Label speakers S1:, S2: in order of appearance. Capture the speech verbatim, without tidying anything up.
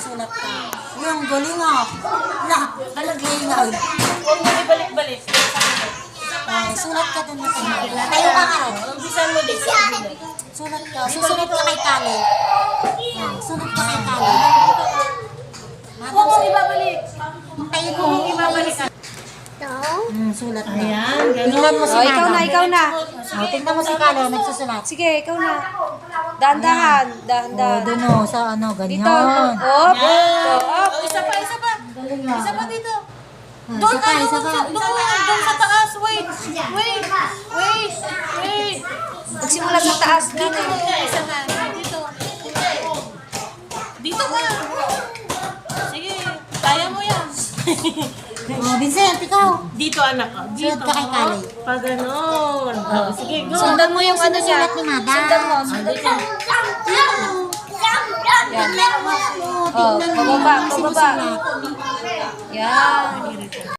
S1: sulat ka. Yung galing ah. Na, halagay na.
S2: Huwag mo ibalik-balik.
S1: Oh, sulat ka dun na tayo. Tayo ka nga.
S2: Umpisan mo din.
S1: Sulat ka. Susunod ka kay Kali. Oh, sunod ka kay Kali.
S2: Huwag mo ibabalik.
S1: Tayo ko.
S2: Huwag mo ibabalik.
S1: Hmm, sulat na.
S2: Ayan,
S1: Tingnan mo si
S3: Oh, ikaw na,
S1: Madam.
S3: ikaw na.
S1: Oh, tingnan mo si Kali, nagsusulat.
S3: Sige, ikaw na. Dahan-dahan,
S1: Oh,
S3: dahan-dahan.
S1: dun oh, sa ano, ganyan.
S3: Dito, up,
S2: Yan.
S3: up.
S2: Oh, isa pa, isa pa.
S1: Galing ah.
S2: Isa pa dito.
S1: Ah,
S2: Doon,
S1: isa pa,
S2: ano,
S1: isa pa.
S2: doon, doon sa taas. Wait, wait, wait, wait.
S3: Magsimula sa taas.
S2: Dito, isa ka. Dito. Dito ka. Sige, kaya mo yan.
S1: Oh, Vincent, ikaw.
S2: Dito, anak ko. Dito.
S1: Sunod ka kay Kali.
S2: Pag ganon. Oh, sige, go.
S3: Sundan mo yung ano niya.
S1: Sinusulat ni Madam.
S3: Sundan mo, sundan mo. Yan. Oh, pababa, pababa. Yan.